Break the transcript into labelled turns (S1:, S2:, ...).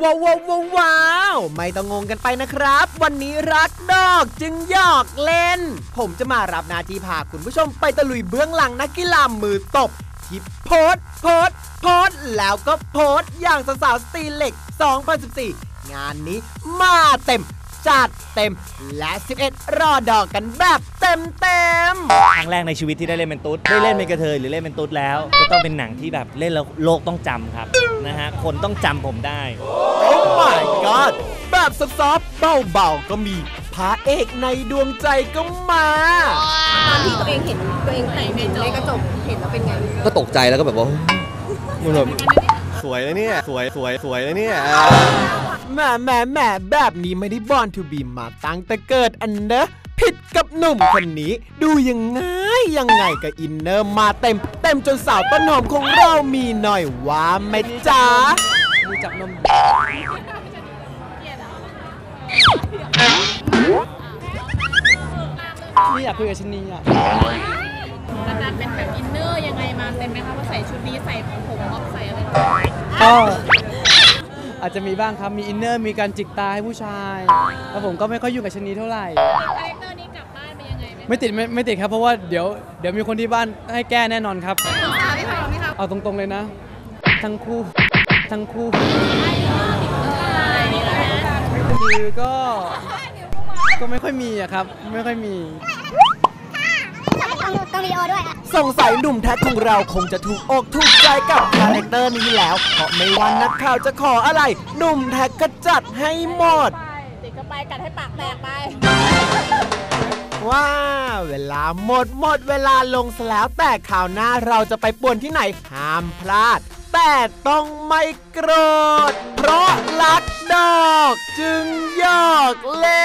S1: ว้าวไม่ต้องงงกันไปนะครับวันนี้รักดอกจึงหยอกเล่นผมจะมารับหน้าที่พาคุณผู้ชมไปตะลุยเบื้องหลังนักกีฬามือตบที่โพสแล้วก็โพสอย่างสาวสตีเหล็ก 2014 งานนี้มาเต็มจัดเต็มและ11รอดอกกันแบบเต็ม
S2: ครั้งแรกในชีวิตที่ได้เล่นเป็นตุ๊ดได้เล่นเป็นกระเทยหรือเล่นเป็นตุ๊ดแล้วก็ต้องเป็นหนังที่แบบเล่นแล้วโลกต้องจำครับนะฮะคนต้องจำผมได้
S1: โอ้ my god แบบซอฟต์เบาๆก็มีพระเอกในดวงใจก็มา
S3: ตอนที่ตัวเองเห็นตัวเองแต่งในกระจกเห็นแล้วเป็นไง
S4: ก็ตกใจแล้วก็แบบว่ามันแบบสวยเลยเนี่ยสวยเลยเนี่ย
S1: แหมแบบนี้ไม่ได้บอร์นทูบีมาตั้งแต่เกิดอันเนอะผิดกับหนุ่มคนนี้ดูยังไงกับอินเนอร์มาเต็มจนสาวต้นหอมของเรามีหน่อยว่าไหมจ๊ะ
S5: ดูจับนมนี่อยากคุยกับชนีอ่ะ
S3: อาจารย์เป็นแบบอินเนอร์ยังไงมาเต็มไหมคะว่าใส่ชุดนี้ใส่ผมม็อบใส่อะไร
S5: ก็อาจจะมีบ้างครับมีอินเนอร์มีการจิกตาให้ผู้ชายแล้วผมก็ไม่ค่อยยุ่งกับชนีเท่าไหร่
S3: คาแรคเตอร์นี้กลับบ้านไปยังไงไหม
S5: ไม่ติดครับเพราะว่าเดี๋ยวมีคนที่บ้านให้แก้แน่นอนครับ
S3: ไม่พอไหมครับ
S5: เอาตรงๆเลยนะทั้งคู่คือก็ไม่ค่อยมีอะครับไม่ค่อยมี
S1: ต้องวิดีโอด้วยสงสัยหนุ่มแท็กของเราคงจะถูกอกถูกใจกับคาแรคเตอร์นี้แล้วเพราะไม่ว่านักข่าวจะขออะไรหนุ่มแท็กก็จัดให้หมด
S3: ติดก็ไปกัดให้ปากแตกไป
S1: ว้าเวลาหมดเวลาลงซะแล้วแต่ข่าวหน้าเราจะไปป่วนที่ไหนห้ามพลาดแต่ต้องไม่โกรธเพราะรักดอกจึงหยอกเล่